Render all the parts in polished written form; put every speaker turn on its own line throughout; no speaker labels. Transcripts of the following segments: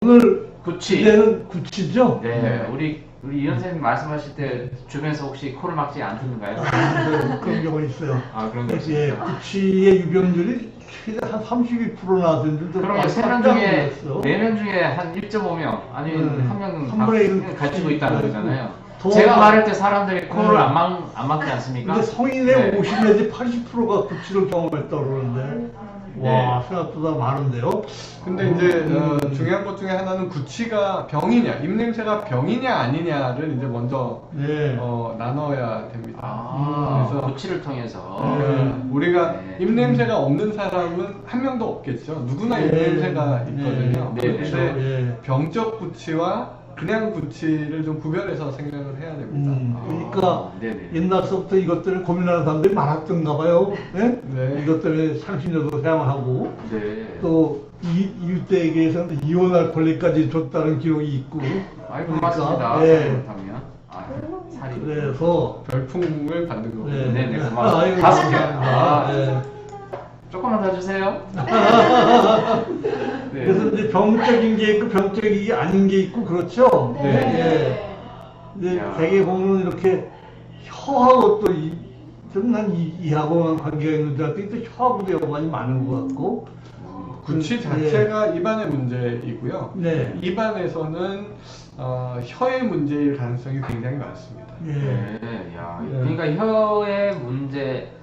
오늘
구치.
주제는 구치죠?
네, 우리 이 선생님 말씀하실 때 주변에서 혹시 코를 막지 않던가요?
그런 경우가 있어요.
아, 그런 거
예,
있습니까?
구치의 유병률이 최대 한 32%나 되는데
그러면 3명 중에 4명 중에 한 1.5명 아니면 한 명은
한 분의 일
가지고 있다는 거잖아요.
더
제가
많-
말할 때 사람들이 코를
네.
안 막지 않습니까?
근데 성인의
네.
50 내지 80%가 구치를 경험했다고 그러는데 와 생각보다 많은데요.
근데 이제 중요한 것 중에 하나는 구취가 병이냐, 입냄새가 병이냐 아니냐를 이제 먼저
네.
나눠야 됩니다.
아,
그래서
구치를 통해서.
우리가
네.
입냄새가 없는 사람은 한 명도 없겠죠. 누구나
네.
입냄새가 있거든요.
네.
근데
네.
병적 구취와 그냥 구취를 좀 구별해서 생각을 해야 됩니다.
그러니까
네네.
옛날서부터 이것 때문에 고민하는 사람들이 많았던가 봐요. 네?
네.
이것 때문에 상심료도 사용하고
네.
또 일대에게서는 이온할 권리까지 줬다는 기록이 있고.
아이고, 고맙습니다.
네.
잘못하면. 아, 살이.
그래서
별풍을 받는 거고.
네.
네네, 고맙습니다.
아이고,
5개.
감사합니다. 네.
조금만 더 주세요. 네.
그래서 이제 병적인 게 있고 병적이 아닌 게 있고 그렇죠.
네.
예. 이제
야.
대개 보면 이렇게 혀하고 또 좀난 이하고만 관계가 있는 줄 알았더니 또 혀하고도 연관이 많은 것 같고.
구취 자체가 입안의 문제이고요.
네.
입안에서는 혀의 문제일 가능성이 굉장히 많습니다.
예.
네, 야,
네.
그러니까 혀의 문제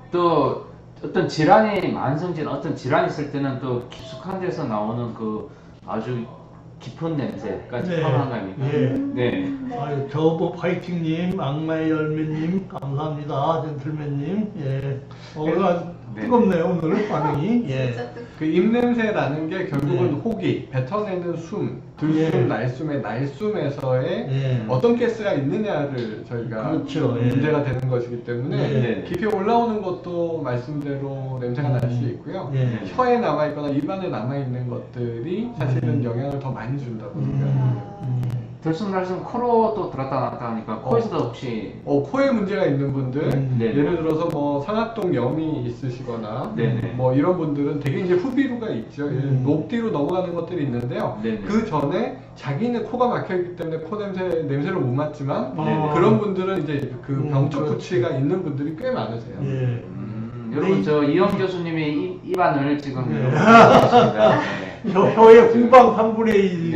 또 어떤 질환이 만성질 어떤 질환이 있을 때는 또 깊숙한 데서 나오는 그 아주 깊은 냄새까지
네.
포함한 거 아닙니까?
예.
네.
아유, 저보 파이팅님, 악마의 열매님, 감사합니다. 젠틀맨님. 예. 오늘 아주
네.
뜨겁네요, 오늘 반응이. 예.
그 입냄새라는 게 결국은
네.
호기, 뱉어내는 숨, 들숨,
예.
날숨의 날숨에서의
예.
어떤 가스가 있느냐를 저희가
그렇죠. 예.
문제가 되는 것이기 때문에
네.
깊이 올라오는 것도 말씀대로 냄새가 날 수 있고요.
예.
혀에 남아있거나 입안에 남아있는 것들이 사실은 영향을 더 많이 준다고 생각합니다.
들숨날숨 코로 또 들었다 놨다 하니까 코에서도 혹시
코에 문제가 있는 분들,
네.
예를 들어서 뭐 상악동 염이 있으시거나
네네.
뭐 이런 분들은 되게 이제 후비루가 있죠. 높뒤로 넘어가는 것들이 있는데요.
네네.
그 전에 자기는 코가 막혀 있기 때문에 코 냄새를 못 맡지만
네네.
그런 분들은 이제 그 병적
그렇지.
구취가 있는 분들이 꽤 많으세요.
예.
여러분 저 이영 교수님이 입안을 지금
네.
이러고 계십니다. 네.
혀의 후방 3분의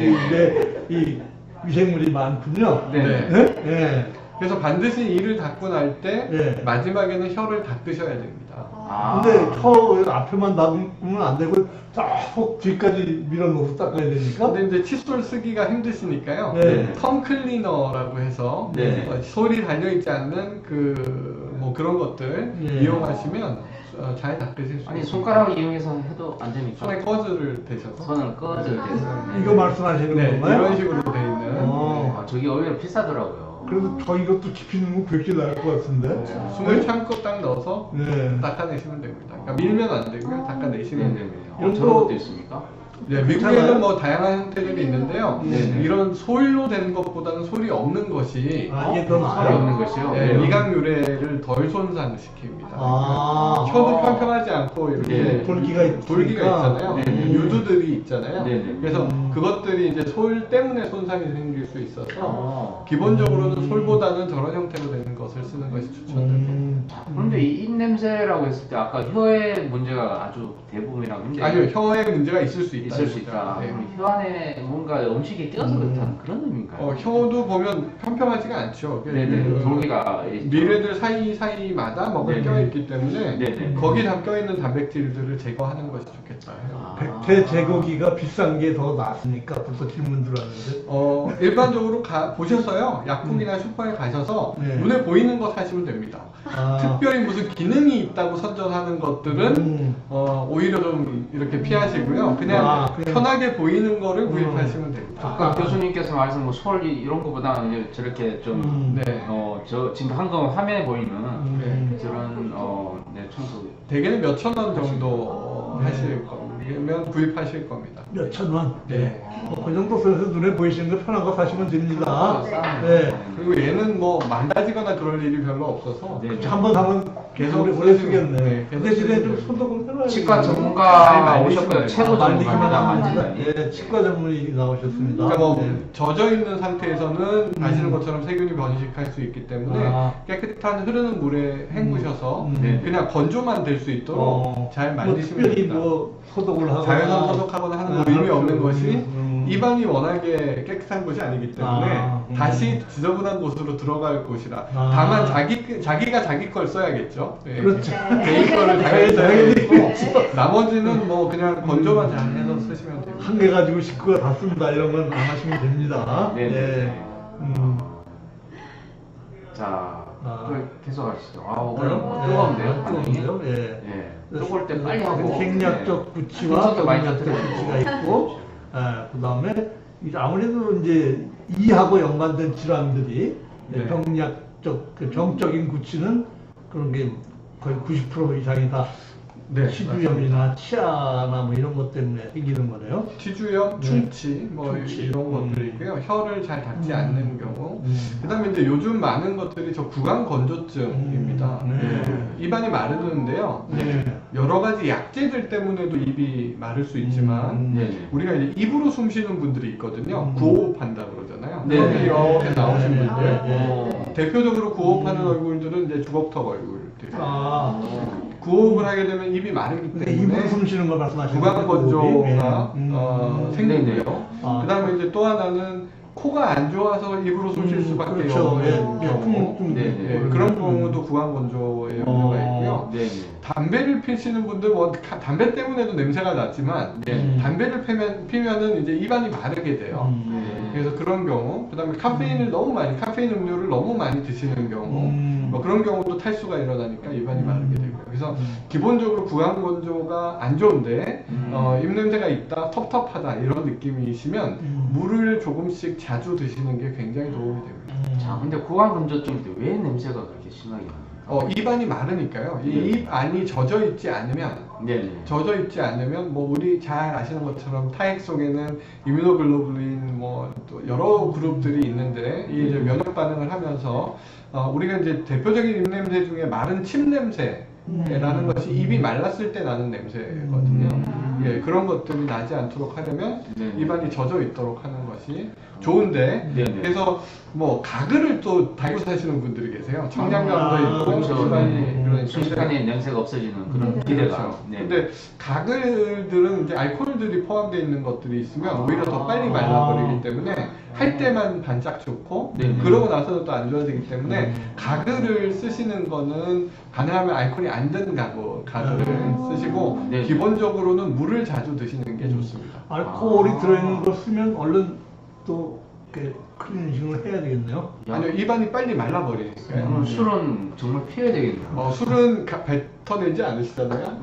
1인데 이 위생물이 많군요.
네.
네? 예.
그래서 반드시 이를 닦고 날 때
네.
마지막에는 혀를 닦으셔야 됩니다.
아.
근데 혀 앞에만 닦으면 안 되고 쫙 뒤까지 밀어넣어서 닦아야 되니까.
근데 이제 칫솔 쓰기가 힘드시니까요.
네.
턴 클리너라고 해서
네.
솔이 달려있지 않는 뭐 그런 것들
네.
이용하시면 잘 닦으실 수
아니
있습니다.
손가락을 이용해서 해도 안 됩니까?
손에 꺼즈를 대셔서
손을 꺼질 때.
이거 말씀하시는
네,
건가요?
이런 식으로 돼 있는
어.
아, 저기 오히려 비싸더라고요.
그래도 저 이것도 지피는 거 그렇게 나을 것 같은데.
숨을 참고 딱 넣어서
네.
닦아내시면 됩니다. 그러니까 밀면 안 되고요. 닦아내시면
네네네.
됩니다.
이런
저런
거-
것도 있습니까?
네,
괜찮아요?
미국에는 뭐 다양한 형태들이 있는데요.
네네.
이런 솔로 된 것보다는 솔이 없는 것이
아, 이게 더
소리
나아요?
없는 것이요?
네,
네.
미각 유래를 덜 손상시킵니다.
아.
혀도 평평하지 않고 이렇게
네.
돌기가 있으니까.
돌기가 있잖아요.
네.
유두들이 있잖아요.
네.
그래서 그것들이 이제 솔 때문에 손상이 생길 수 있어서
어.
기본적으로는 솔보다는 저런 형태로 되는 것을 쓰는 것이 추천됩니다.
그런데 이 입냄새라고 했을 때 아까 혀의 문제가 아주 대부분이라고 했는데
아니요, 혀에 문제가 있을 수 있다.
있을 수 있다.
네.
그럼 혀 안에 뭔가 음식이 끼어서 그렇다는 그런 의미인가요?
혀도 보면 평평하지가 않죠.
네네. 돌기가
미래들 사이사이마다 뭐가
네네.
껴있기 때문에
네네.
거기 다 껴있는 단백질들을 제거하는 것이 좋겠다.
백태 제거기가 비싼 게 더 낫습니까? 벌써 질문 들어왔는데.
일반적으로 보셔서요. 약국이나 슈퍼에 가셔서
네.
눈에 보이는 거 사시면 됩니다.
아.
특별히 무슨 기능이 있다고 선전하는 것들은 오히려 좀 이렇게 피하시고요. 그냥
그냥-
편하게 보이는 거를 구입하시면 됩니다.
아까 교수님께서 말씀 뭐 솔 이런 거보다는 이제 저렇게 좀
네.
저 지금 한거 화면에 보이는
네.
저런 네, 청소
대개는 몇천 원 정도 하실 겁니다. 원이면 구입하실 겁니다.
몇 천원.
네.
그 정도 선에서 눈에 보이시는 거 편한 거 사시면 됩니다.
네.
네.
그리고 얘는 뭐 망가지거나 그럴 일이 별로 없어서
네.
한번 사면
계속
오래 쓰겠네.
쓰시면, 네,
근데
계속
집에 좀
쓰시면
소독을 해놔야
치과
되겠네.
전문가
많이
오셨고요.
말리시면
최고 전문가입니다.
말리기만
만지다니.
예, 치과 전문의 나오셨습니다.
그러니까 뭐
네.
젖어 있는 상태에서는 아시는 것처럼 세균이 번식할 수 있기 때문에
아.
깨끗한 흐르는 물에 헹구셔서
네.
그냥 건조만 될 수 있도록 잘
뭐
말리시면
특별히
됩니다.
뭐 소독을 하거나
자연산 소독하거나 하는 건 의미 없는 것이
음.
입안이 워낙에 깨끗한 곳이 아니기 때문에
아,
다시 지저분한 곳으로 들어갈 곳이라
아.
다만 자기가 자기 걸 써야겠죠. 예.
그렇죠.
개인 거를
당연히
자기가 써야 되고
네.
나머지는 뭐 그냥 건조만 잘 해서 쓰시면 돼요.
한 개 가지고 식구가 다 쓴다 이런 건 안 하시면 됩니다.
네.
음.
자,
아.
또 계속 하시죠. 아,
그래요?
뜨거운데요?
뜨거운데요? 예.
예. 뜨거울 때 빨리 하고.
생략적
네.
구치와
분석도 많이
병약적
터뜨려요.
구치가 있고, 그 다음에 아무래도 이제 이하고 연관된 질환들이
네.
병약적, 그 병적인 구치는 그런 게 거의 90% 이상이 다
네,
치주염이나 치아나 뭐 이런 것 때문에 생기는 거네요.
치주염,
네.
충치 뭐
충치.
이런 것들이 있고요. 혀를 잘 닦지 않는 경우.
음.
그다음에 이제 요즘 많은 것들이 저 구강 건조증입니다.
네.
입안이 마르는데요.
네.
여러 가지 약재들 때문에도 입이 마를 수 있지만
네.
우리가 이제 입으로 숨 쉬는 분들이 있거든요. 구호흡한다 그러잖아요.
네.
이렇게 이렇게 나오신
네.
분들.
네.
대표적으로 구호흡하는 얼굴들은 이제 주걱턱 얼굴들.
아,
구호흡을 하게 되면 입이 마르기
근데
때문에
입으로 숨 쉬는 걸 말씀하시는
구강 건조가
네네.
생기고요.
아.
그다음에 이제 또 하나는 코가 안 좋아서 입으로 숨 쉴 수밖에
그렇죠.
없는
예,
경우.
네.
예, 그런 경우도 구강 건조의 염려가 있고요.
네.
담배를 피시는 분들 뭐 담배 때문에도 냄새가 나지만
네.
담배를 피면은 이제 입안이 마르게 돼요.
네.
그래서 그런 경우, 그다음에 카페인 음료를 너무 많이 드시는 경우, 뭐 그런 경우도 탈수가 일어나니까 입안이 마르게 되고요. 그래서 기본적으로 구강 건조가 안 좋은데 입 냄새가 있다, 텁텁하다 이런 느낌이시면 물을 조금씩 자주 드시는 게 굉장히 도움이 됩니다.
자, 근데 구강 건조증인데 왜 냄새가 그렇게 심하게 납니까?
입안이 마르니까요. 이
네.
입 안이 젖어 있지 않으면
네네.
젖어 있지 않으면 뭐 우리 잘 아시는 것처럼 타액 속에는 이뮤노글로불린 뭐 또 여러 그룹들이 있는데 이게 이제 면역 반응을 하면서 우리가 이제 대표적인 입 냄새 중에 마른 침 냄새라는 것이 입이 말랐을 때 나는 냄새거든요. 예, 그런 것들이 나지 않도록 하려면
네.
입안이 젖어 있도록 하는 것이 좋은데
네네.
그래서 뭐 가글을 또 달고 사시는 분들이 계세요. 청량감도 있고
그렇죠.
입안이 그런
순식간에 냄새가 없어지는 그런 기대가.
그렇죠.
네.
근데 가글들은 이제 알코올들이 포함되어 있는 것들이 있으면 오히려 더 빨리 말라버리기 때문에 할 때만 반짝 좋고
네네.
그러고 나서는 또 안 좋아지기 때문에 가글을 쓰시는 거는 가능하면 알코올이 안 든 가글을 쓰시고
네.
기본적으로는 물을 자주 드시는 게 좋습니다.
알코올이 들어있는 걸 쓰면 얼른 또 이렇게 클리닝을 해야 되겠네요.
아니요, 입안이 빨리 말라버리니까요.
그럼 술은 정말 피해야 되겠네요.
술은 뱉어내지 않으시잖아요.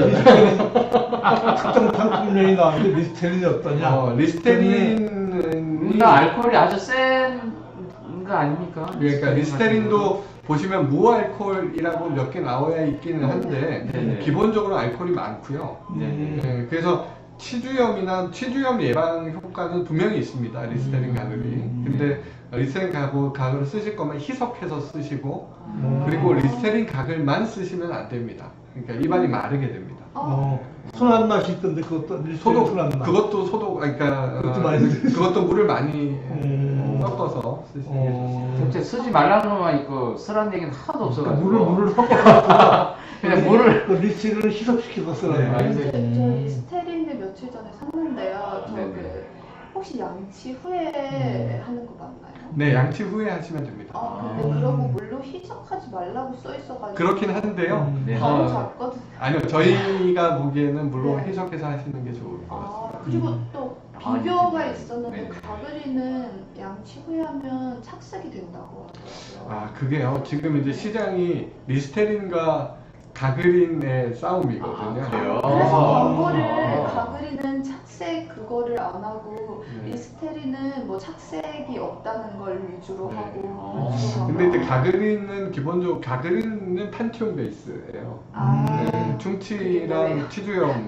특정 상품명이 나왔는데 리스테린이 어떠냐?
리스테린은
나 알코올이 아주 센 거 아닙니까?
그러니까 리스테린도 보시면 무알코올이라고 몇 개 나와야 있기는 한데
네네.
기본적으로 알코올이 많고요.
네네.
네, 그래서 치주염 예방 효과는 분명히 있습니다. 리스테린 가글이. 근데 리스테린 가글을 쓰실 거면 희석해서 쓰시고 그리고 리스테린 가글만 쓰시면 안 됩니다. 그러니까 입안이 마르게 됩니다.
순한 맛이 있던데 그것도 리스테린
소독
순한 맛.
그것도 소독 그러니까
그것도 많이
그것도 물을 많이 섞어서 쓰시는 게 좋습니다.
진짜 쓰지 말라는 것만 있고 쓰라는 얘기는 하나도 없어가지고.
물을 섞어서
그냥 물을.
그 리스테린을 희석시켜서 쓰라는
네.
거예요.
저 리스테린을 며칠 전에 샀는데요. 저
네네.
그 혹시 양치 후에 하는 거 맞나요?
네, 양치 후에 하시면 됩니다.
근데 그러고 물로 희석하지 말라고 써 있어가지고
그렇긴 한데요.
네.
바로 잡거든요.
아니요, 저희가 보기에는 물론 해석해서 하시는 게 좋을 것 같습니다.
그리고 또
아,
비교가
네.
있었는데
네.
가글이는 양치 후에 하면 착색이 된다고 하더라고요.
그게요. 지금 이제 시장이 리스테린과 가글린의 싸움이거든요.
그래서 이거를 가글이는 착색 그거를 안 하고
네.
리스테린은 뭐 착색이 없다는 걸 위주로
네.
하고
근데 이제 가글린은 기본적으로 가글린은 판티온 베이스예요.
아.
네, 충치랑 치주염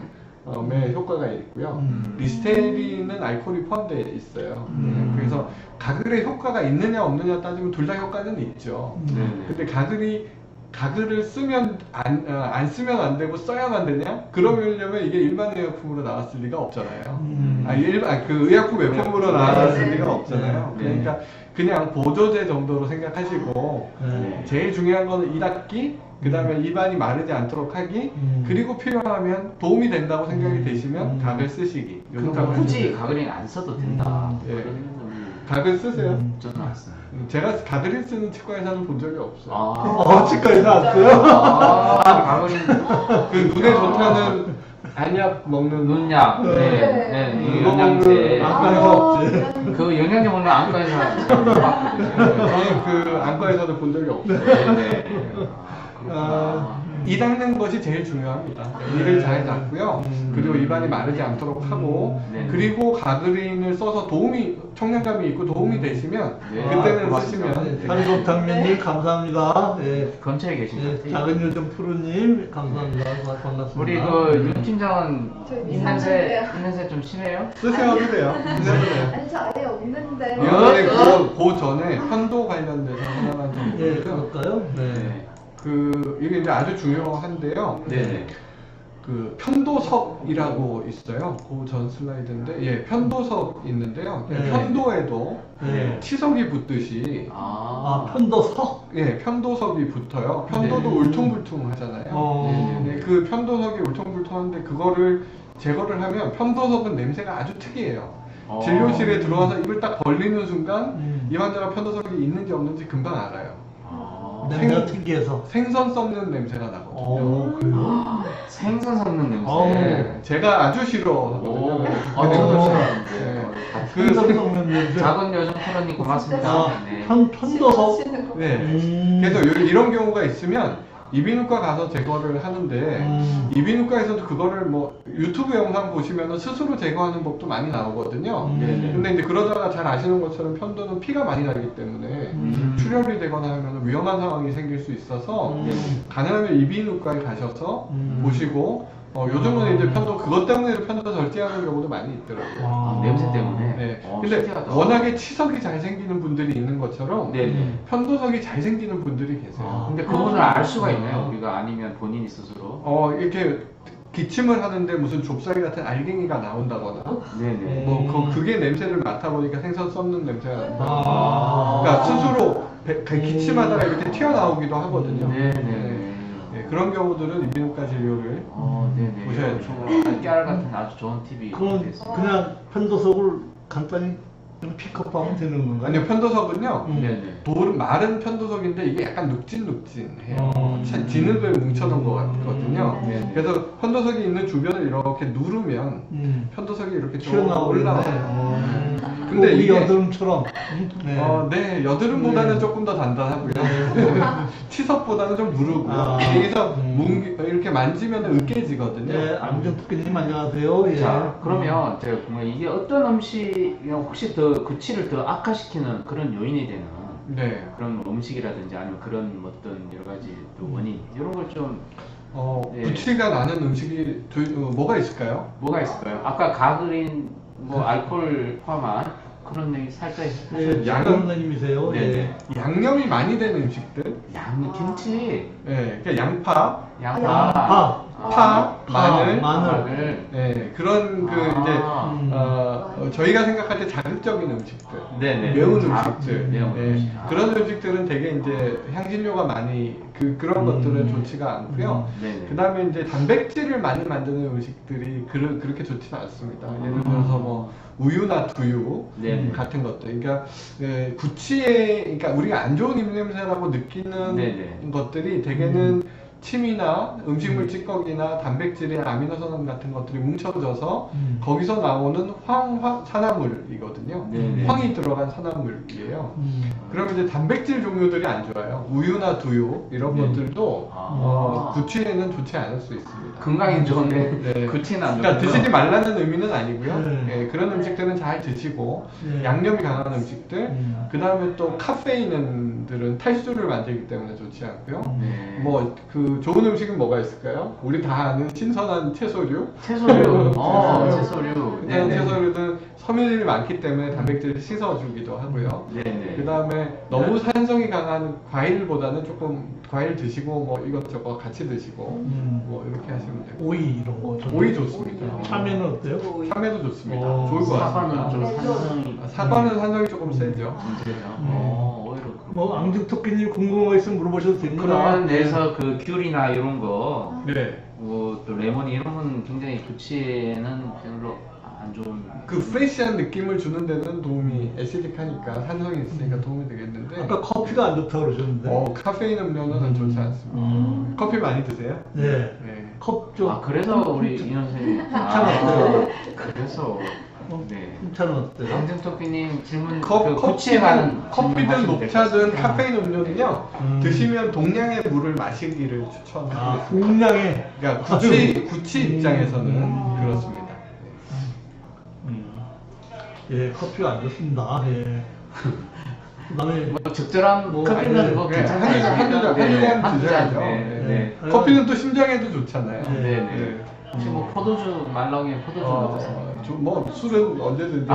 효과가 있고요.
음.
리스테린은 알코올이 포함되어 있어요. 그래서 가글의 효과가 있느냐 없느냐 따지면 둘 다 효과는 있죠.
네네.
근데 가글을 쓰면 안 쓰면 안 되고 써야만 되냐? 그러려면 이게 일반 의약품으로 나왔을 리가 없잖아요. 그 의약품 외품으로 나왔을 리가 없잖아요.
네.
그러니까 그냥 보조제 정도로 생각하시고
네.
제일 중요한 거는 이 닦기, 그 다음에 입안이 마르지 않도록 하기, 그리고 필요하면 도움이 된다고 생각이 되시면 가글 쓰시기. 요
그러니까
정도만
굳이
해주세요.
가글링 안 써도 된다.
예.
그런 놈이
가글 쓰세요.
저는 안 써요.
제가 가글을 쓰는 치과 의사는 본 적이 없어요.
치과에서 왔어요?
가글링
그 눈에 좋다는 안약 먹는
눈약,
네.
네,
그거
영양제.
먹는
안과에서 없지.
그 영양제 먹는 안과에서 봤거든요.
저는 그 안과에서도 본 적이 없어요.
네.
이 닦는 것이 제일 중요합니다. 이를 잘 닦고요. 그리고 입안이 마르지 않도록 하고,
네.
그리고 가그린을 써서 청량감이 있고 도움이 되시면
네.
그때는
고맙습니다.
쓰시면
한국당면님 감사합니다. 예.
근처에 계신 것
예,
같아요.
작은 요즘 푸르님 감사합니다. 반갑습니다.
우리 그 윤 팀장은
저
입냄새
이상한데요.
좀 심해요?
쓰셔도 돼요. 쓰셔도 돼요.
아니 저 아예 없는데.
이번에 그 전에 편도 관련돼서 하나만 더
예,
보고요.
그럴까요? 네.
이게 이제 아주 중요한데요.
네네.
그 편도석이라고 있어요. 그 전 슬라이드인데, 예, 편도석 있는데요.
네.
편도에도
네.
치석이 붙듯이,
편도석?
예, 편도석이 붙어요. 편도도
네.
울퉁불퉁하잖아요. 네, 그 편도석이 울퉁불퉁한데 그거를 제거를 하면 편도석은 냄새가 아주 특이해요. 진료실에 들어와서 입을 딱 벌리는 순간 이 환자가 편도석이 있는지 없는지 금방 알아요.
냄새가 특이해서.
생선 썩는 냄새가 나거든요.
그래요?
생선 섞는 냄새.
네, 제가 아주 싫어하거든요.
저도
네.
싫어하는데.
그
생선 썩는 냄새.
작은 요정 프로님 고맙습니다.
아,
네.
편도석?
싫어하시는 거.
네. 그래서 이런 경우가 있으면 이비인후과 가서 제거를 하는데 이비인후과에서도 그거를 뭐 유튜브 영상 보시면 스스로 제거하는 법도 많이 나오거든요.
네네.
근데 이제 그러다가 잘 아시는 것처럼 편도는 피가 많이 나기 때문에 출혈이 되거나 하면 위험한 상황이 생길 수 있어서 가능하면 이비인후과에 가셔서 보시고 요즘은 이제 편도 그것 때문에 편도 절제하는 경우도 많이 있더라고요.
냄새 때문에.
네.
어,
근데
신기하다.
워낙에 치석이 잘 생기는 분들이 있는 것처럼
네네.
편도석이 잘 생기는 분들이 계세요.
근데 그분을 알 수가 있나요? 우리가 아니면 본인이 스스로?
이렇게 기침을 하는데 무슨 좁쌀 같은 알갱이가 나온다거나
네네.
그게 냄새를 맡아보니까 생선 썩는 냄새가 난다.
아.
그러니까 스스로 기침하다가 이렇게 튀어나오기도 하거든요.
네네.
네, 그런 경우들은 이비인후과 진료를
네네.
보셔야죠.
깨알 같은 아주 좋은 팁이
그건
됐습니다.
그냥 편도석을 간단히 좀 픽업하면 되는 건가요?
아니요, 편도석은요.
네네.
마른 편도석인데 이게 약간 눅진눅진해요. 진흙을 뭉쳐놓은 것 같거든요.
네.
그래서 편도석이 있는 주변을 이렇게 누르면 편도석이 이렇게 쭉
튀어나오네.
올라와요.
근데
근데
우리
이게
여드름처럼. 네.
네, 여드름보다는 조금 더 단단하고요. 치석보다는 좀 무르고요.
아.
여기서 이렇게 만지면 으깨지거든요.
네, 안경 특기님 안녕하세요. 예.
자, 그러면 제가 궁금해 이게 어떤 음식이 혹시 더 구취를 더 악화시키는 그런 요인이 되는
네.
그런 음식이라든지 아니면 그런 어떤 여러 가지 또 원인 이런 걸 좀 네.
구취가 나는 음식이 뭐가 있을까요?
뭐가 있을까요? 아까 가그린 뭐 알코올 포함한 그런 얘기 살짝
네,
양은-
장원님이세요.
네네.
양념이 많이 된 음식들.
김치,
네, 그러니까 양파,
양파,
파,
마늘.
마늘.
네, 그런 저희가 생각할 때 자극적인 음식들,
네네.
매운
자극,
음식들,
매운
네,
음식.
그런 음식들은 되게 이제 향신료가 많이 그런 것들은 좋지가 않고요.
네네.
그 다음에 이제 단백질을 많이 만드는 음식들이 그렇게 좋지는 않습니다. 예를 들어서 뭐 우유나 두유
네네.
같은 것들. 그러니까 그러니까 우리가 안 좋은 입냄새라고 느끼는
네네.
것들이 대개는 침이나 음식물 찌꺼기나 단백질이나 아미노산 같은 것들이 뭉쳐져서 거기서 나오는 산화물이거든요.
네네.
황이 들어간 산화물이에요. 그러면 이제 단백질 종류들이 안 좋아요. 우유나 두유 이런 것들도 구취에는 좋지 않을 수 있습니다.
건강엔 좋은데
네.
구취는 안
그러니까
좋고요.
드시지 말라는 의미는 아니고요.
네.
예, 그런 음식들은 잘 드시고
네.
양념이 강한 음식들, 그 다음에 또 카페인들은 탈수를 만들기 때문에 좋지 않고요.
네.
뭐 그 그 좋은 음식은 뭐가 있을까요? 우리 다 아는 신선한 채소류.
채소류. 채소류.
일단
네네.
채소류는 섬유질이 많기 때문에 단백질을 씻어주기도 하고요.
네네.
그 다음에 너무 산성이 강한 과일보다는 조금 과일 드시고 뭐 이것저것 같이 드시고 뭐 이렇게 하시면 되고.
오이 이런 거.
오이 좋습니다.
참외는 어때요?
참외도 좋습니다.
어,
좋을 것
사과는
같습니다.
좀 산성이
사과는 산성이 조금 세죠.
문제죠. 오히려
뭐 앙증토끼님 궁금한 거 있으면 물어보셔도 됩니다.
그런 데서 그 귤이나 이런 거,
네.
또 레몬 이런 건 굉장히 구취에는 별로 안 좋은.
그 프레시한 느낌을 주는 데는 도움이 애시딕하니까 산성이 있으니까 도움이 되겠는데
아까 커피가 안 좋다고 그러셨는데.
카페인 음료는 좋지 않습니다. 커피 많이 드세요?
네.
네.
컵 좀.
그래서 우리 이현 선생님.
괜찮았어요.
그래서. 네.
흰차는 어때요?
강정토끼님 질문 그 구취에 관한
커피든
질문하시면
녹차든
될것 같아요.
카페인 음료는요 드시면 동량의 물을 마시기를 추천합니다.
동량의.
그러니까 구취 입장에서는 그렇습니다.
예, 커피가 안 좋습니다. 예. 그다음에
뭐 적절한
뭐,
커피는 뭐
네,
괜찮다.
한두 잔 드셔야죠.
네.
네. 커피는 또 심장에도 좋잖아요.
네.
네.
혹시 뭐 포도주 말랑이 포도주 어떠세요?
뭐 술은 언제든지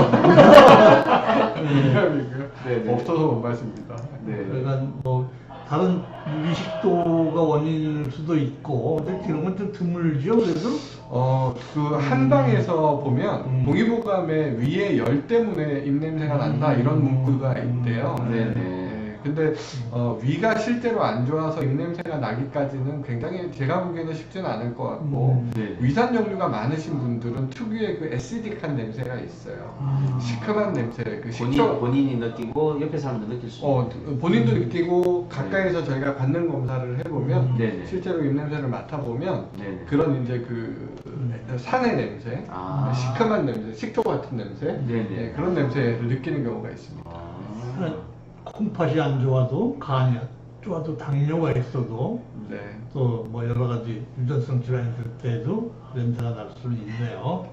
네.
없어서 못 마십니다.
네.
그러니까 뭐 다른 미식도가 원인일 수도 있고 근데 이런 건 좀 드물죠 그래도.
그 한방에서 보면 동의보감에 위에 열 때문에 입냄새가 난다 이런 문구가 있대요.
네네.
근데 위가 실제로 안 좋아서 입냄새가 나기까지는 굉장히 제가 보기에는 쉽지는 않을 것 같고
네.
위산 종류가 많으신 분들은 특유의 그 애시딕한 냄새가 있어요. 시큼한 냄새, 그 식초
본인이 느끼고 옆에 사람도 느낄 수 있는.
본인도 느끼고 가까이서 저희가 받는 검사를 해보면
네네.
실제로 입냄새를 맡아보면
네네.
그런 이제 그 산의 냄새,
아.
시큼한 냄새, 식초 같은 냄새
네네.
그런 냄새를 느끼는 경우가 있습니다.
콩팥이 안 좋아도 간이 안 좋아도 당뇨가 있어도
네.
또 뭐 여러 가지 유전성 질환이 들 때도 냄새가 날 수는 있네요.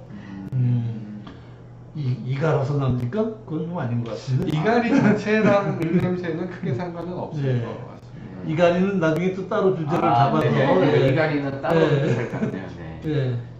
이가라서 납니까? 그건 좀 아닌 것 같은데.
이갈이 자체랑 입냄새는 크게 상관은 없을
네.
것 같습니다.
이갈이는 나중에 또 따로 주제를 잡아서.
네.
예.
이갈이는 따로
예.
될 것 같네요. 네.
예.